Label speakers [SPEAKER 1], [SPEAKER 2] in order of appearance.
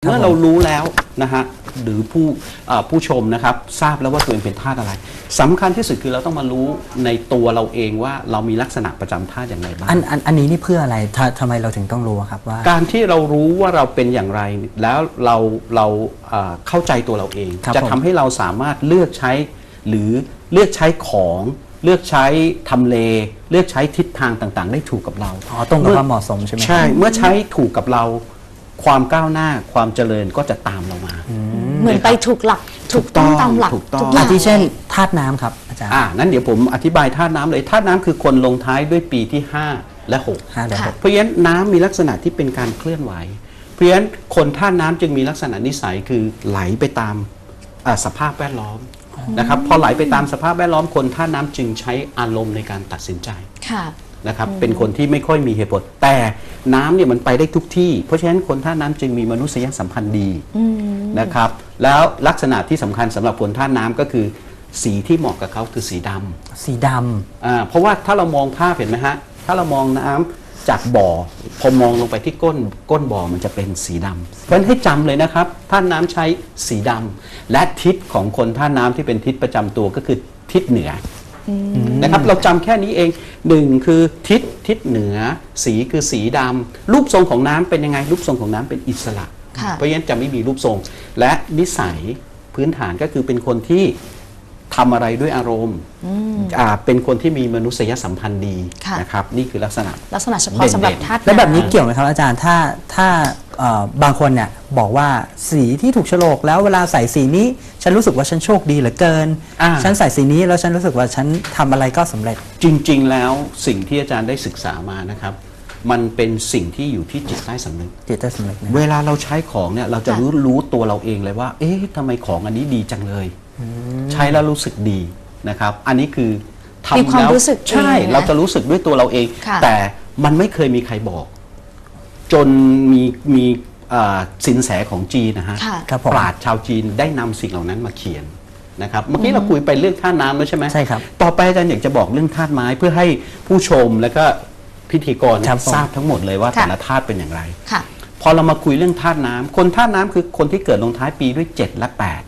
[SPEAKER 1] เมื่อเรารู้แล้วนะฮะหรือผู้ชมนะครับทราบแล้วว่าตัวเองเป็นธาตุอะไรสำคัญที่สุดคือเราต้องมารู้ในตัวเราเองว่าเรามีลักษณะประจำธาตุอย่างไรบ้าง
[SPEAKER 2] อันนี้นี่เพื่ออะไรทำไมเราถึงต้องรู้ครับว่า
[SPEAKER 1] การที่เรารู้ว่าเราเป็นอย่างไรแล้วเราเข้าใจตัวเราเองจะทำให้เราสามารถเลือกใช้หรือเลือกใช้ของเลือกใช้ทำเลเลือกใช้ทิศทางต่างๆได้ถูกกับเรา
[SPEAKER 2] ตรงกับความเหมาะสมใช่ไหม
[SPEAKER 1] ใช่เมื่อใช้ถูกกับเราความก้าวหน้าความเจริญก็จะตามเรามา
[SPEAKER 3] เหมือนไปถูกหลักถูกต้องตามหลัก
[SPEAKER 1] ทุก
[SPEAKER 2] อย่างที่เช่นธาตุน้ำครับอาจารย์
[SPEAKER 1] นั้นเดี๋ยวผมอธิบายธาตุน้ำเลยธาตุน้ำคือคนลงท้ายด้วยปีที่5 และ 6เพราะฉะนั้นน้ำมีลักษณะที่เป็นการเคลื่อนไหวเพราะฉะนั้นคนธาตุน้ำจึงมีลักษณะนิสัยคือไหลไปตามสภาพแวดล้อมนะครับพอไหลไปตามสภาพแวดล้อมคนธาตุน้ำจึงใช้อารมณ์ในการตัดสินใจนะครับเป็นคนที่ไม่ค่อยมีเหตุผลแต่น้ำเนี่ยมันไปได้ทุกที่เพราะฉะนั้นคนธาตุน้ำจึงมีมนุษยสัมพันธ์ดีนะครับแล้วลักษณะที่สำคัญสำหรับคนธาตุน้ำก็คือสีที่เหมาะกับเขาคือสีดำเพราะว่าถ้าเรามองภาพเห็นไหมฮะถ้าเรามองน้ำจากบ่อพอมองลงไปที่ก้นบ่อมันจะเป็นสีดำเพราะฉะนั้นให้จำเลยนะครับธาตุน้ำใช้สีดำและทิศของคนธาตุน้ำที่เป็นทิศประจำตัวก็คือทิศเหนือนะครับเราจำแค่นี้เอง1คือทิศเหนือสีคือสีดำรูปทรงของน้ำเป็นยังไงรูปทรงของน้ำเป็นอิสระเพราะฉะนั้นจะไม่มีรูปทรงและนิสัยพื้นฐานก็คือเป็นคนที่ทำอะไรด้วยอารมณ์เป็นคนที่มีมนุษยสัมพันธ์ดีนะครับนี่คือลักษณะ
[SPEAKER 3] เฉพาะสำหรับธาตุ
[SPEAKER 2] และแบบนี้เกี่ยวไหมครับอาจารย์ถ้าบางคนเนี่ยบอกว่าสีที่ถูกโฉลกแล้วเวลาใส่สีนี้ฉันรู้สึกว่าฉันโชคดีเหลือเกินฉันใส่สีนี้แล้วฉันรู้สึกว่าฉันทำอะไรก็สำเร็จ
[SPEAKER 1] จริงๆแล้วสิ่งที่อาจารย์ได้ศึกษามานะครับมันเป็นสิ่งที่อยู่ที่จิตใต้สำนึกเวลาเราใช้ของเนี่ยเราจะรู้ตัวเราเองเลยว่าเอ๊ะทำไมของอันนี้ดีจังเลยใช้แล้วรู้สึกดีนะครับอันนี้คือทำแล้วใช่เราจะรู้สึกด้วยตัวเราเองแต่มันไม่เคยมีใครบอกจนมีสินแสของจีนนะฮะปราชญ์ชาวจีนได้นำสิ่งเหล่านั้นมาเขียนนะครับเมื่อกี้เราคุยไปเรื่องธาตุน้ำแล้วใช่ไหม
[SPEAKER 2] ใช่ครับ
[SPEAKER 1] ต่อไปอาจารย์อยากจะบอกเรื่องธาตุไม้เพื่อให้ผู้ชมและก็พิธีกรทราบทั้งหมดเลยว่าแต่ละธาตุเป็นอย่างไรพอเรามาคุยเรื่องธาตุน้ำคนธาตุน้ำคือคนที่เกิดลงท้ายปีด้วย7 และ 8